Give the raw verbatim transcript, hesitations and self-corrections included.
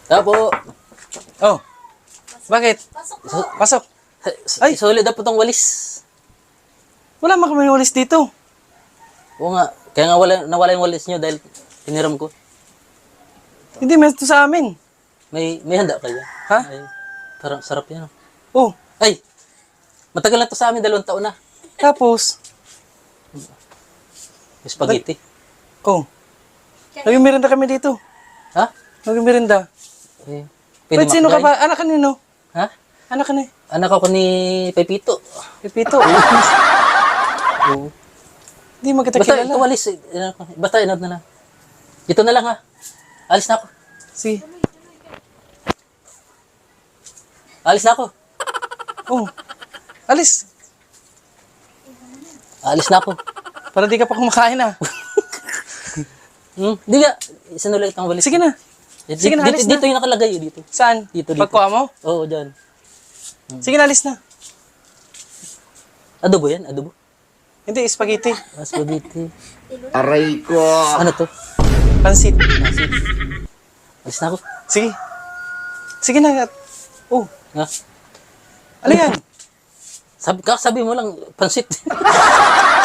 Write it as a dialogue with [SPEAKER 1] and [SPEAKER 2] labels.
[SPEAKER 1] Tapo.
[SPEAKER 2] Oh. Bakit?
[SPEAKER 1] Su-
[SPEAKER 2] Pasok.
[SPEAKER 1] Ay, solid na po tong walis.
[SPEAKER 2] Wala man kami walis dito.
[SPEAKER 1] Oo nga. Kaya nga wala, nawala yung walis nyo dahil tiniram ko.
[SPEAKER 2] Hindi, meron to sa amin.
[SPEAKER 1] May, may handa kayo.
[SPEAKER 2] Ha?
[SPEAKER 1] Ay, parang sarap yan.
[SPEAKER 2] Oh.
[SPEAKER 1] Ay, matagal na to sa amin, dalawang taon na.
[SPEAKER 2] Tapos.
[SPEAKER 1] Yung spaghetti.
[SPEAKER 2] Oh. Nagmirinda kami dito.
[SPEAKER 1] Ha?
[SPEAKER 2] Nagmirinda.
[SPEAKER 1] Eh,
[SPEAKER 2] Wait, sino ka
[SPEAKER 1] makakain?
[SPEAKER 2] ba? Anak ka nino?
[SPEAKER 1] Ha?
[SPEAKER 2] Anak ka ni?
[SPEAKER 1] Anak ako ni Pepito.
[SPEAKER 2] Pipito.
[SPEAKER 1] Oo.
[SPEAKER 2] Hindi mo kita
[SPEAKER 1] Basta
[SPEAKER 2] kilala.
[SPEAKER 1] ito walis. eh, ano ko, Basta inod na lang. Dito na lang ha. Alis na ako.
[SPEAKER 2] Si.
[SPEAKER 1] Alis na ako.
[SPEAKER 2] Oh. Alis.
[SPEAKER 1] Alis na ako.
[SPEAKER 2] Para di ka pa kumakain ah.
[SPEAKER 1] Hmm? Di nga. Sinulit ang walis.
[SPEAKER 2] Sige na.
[SPEAKER 1] Dito,
[SPEAKER 2] Sige na,
[SPEAKER 1] dito,
[SPEAKER 2] alis
[SPEAKER 1] dito
[SPEAKER 2] na.
[SPEAKER 1] yung nakalagay. eh, Dito.
[SPEAKER 2] Saan?
[SPEAKER 1] Dito, dito.
[SPEAKER 2] Pagkuha mo?
[SPEAKER 1] Oo, dyan.
[SPEAKER 2] Sige na, alis na.
[SPEAKER 1] Adobo yan? Adobo?
[SPEAKER 2] Hindi, spaghetti.
[SPEAKER 1] Ah, spaghetti.
[SPEAKER 3] Aray ko.
[SPEAKER 1] Ano to?
[SPEAKER 2] Pansit.
[SPEAKER 1] Alis na ako.
[SPEAKER 2] Sige. Sige na. Oh.
[SPEAKER 1] Ha?
[SPEAKER 2] Ano yan?
[SPEAKER 1] Sabi, kakasabi mo lang, pansit.